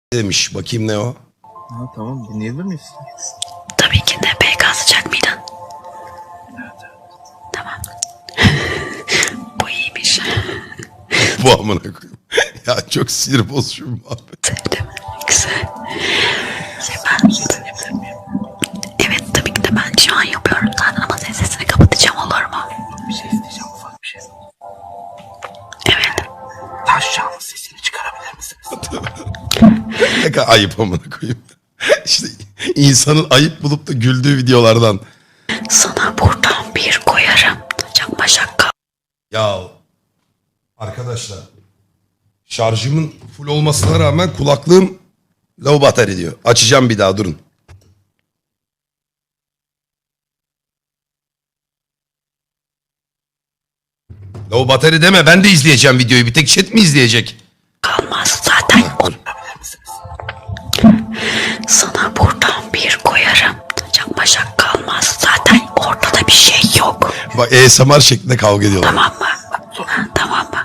demiş. Bakayım ne o? Ha, tamam, dinleyebilir miyiz? Tabii ki de. PK sıcak mıydın? Evet. Tamam. Bu iyiymiş. Bu amına koyayım. Ya çok sinir bozucu bir muhabbet. Sevdim. Güzel. Ben... Evet tabii ki de ben şu an yapıyorum zaten ama senin sesini kapatacağım, olur mu? Bir şey isteyeceğim, ufak bir şey. Evet. Taş canlı sesini çıkarabilir misiniz? Ne kadar ayıp amına koyayım. İşte insanın ayıp bulup da güldüğü videolardan. Sana buradan bir koyarım. Çakma şaka. Ya arkadaşlar, şarjımın full olmasına rağmen kulaklığım low battery diyor. Açacağım bir daha, durun. Low battery deme, ben de izleyeceğim videoyu. Bir tek chat mi izleyecek? Kalmaz zaten. Sana buradan bir koyarım. Çakma şaka kalmaz. Zaten ortada bir şey yok. Bak ASMR şeklinde kavga ediyorlar. Tamam mı? Ha, tamam mı?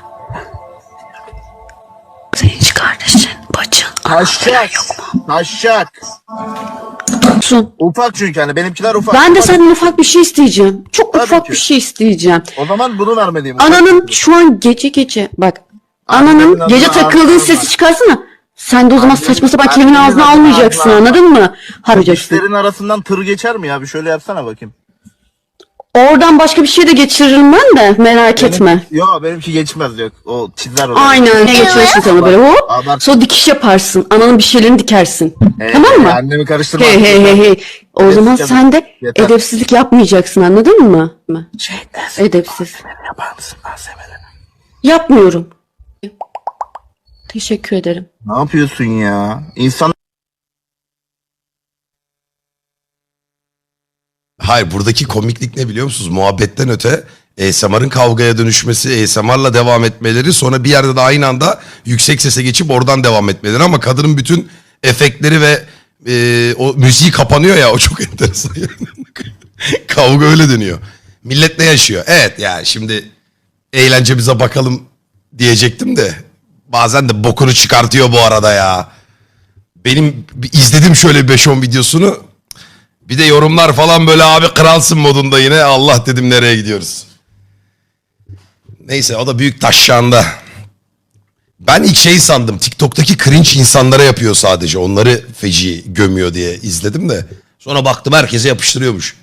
Senin hiç kardeşin, bacın, anan falan yok mu? Taşak. Sun. Ufak çünkü hani benimkiler ufak. Ben de Ufak. senden ufak bir şey isteyeceğim. Çok Tabii ufak ki. bir şey isteyeceğim. O zaman bunu vermeliyim. ufak. Ananın şu an gece bak. Annemin Ananın gece adına takıldığın ağzına sesi bak. çıkarsana. Sen de o zaman Annemin- saçma sapan kelimenin annemin ağzına adına almayacaksın, ağzına bak. anladın mı? Haracaksın. Dişlerin arasından tır geçer mi ya? Bir şöyle yapsana bakayım. Oradan başka bir şey de geçiririm ben de, merak etme. Yok, benimki geçmez, yok. O çizer oraya. Aynen, ne geçirirsin sana böyle hop. Abart. Sonra dikiş yaparsın. Ananın bir şeylerini dikersin. Tamam mı? Annemi karıştırma. Hey hey hey hey. O zaman Yeter. sen de Yeter. edepsizlik yapmayacaksın, anladın mı? Edepsiz. Yapar mısın malzemelerini? Yapmıyorum. Teşekkür ederim. Ne yapıyorsun ya? İnsan Hayır, buradaki komiklik ne biliyor musunuz? Muhabbetten öte ASMR'ın kavgaya dönüşmesi, ASMR'la devam etmeleri, sonra bir yerde de aynı anda yüksek sese geçip oradan devam etmeleri, ama kadının bütün efektleri ve o müziği kapanıyor ya, o çok enteresan. Kavga öyle dönüyor. Millet ne yaşıyor? Evet yani şimdi eğlencemize bakalım diyecektim de bazen de bokunu çıkartıyor bu arada ya. Benim izledim şöyle 5-10 videosunu. Bir de yorumlar falan böyle abi kralsın modunda yine. Allah dedim, nereye gidiyoruz? Neyse, o da büyük taşşağında. Ben ilk şey sandım. TikTok'taki cringe insanlara yapıyor sadece. Onları feci gömüyor diye izledim de. Sonra baktım herkese yapıştırıyormuş.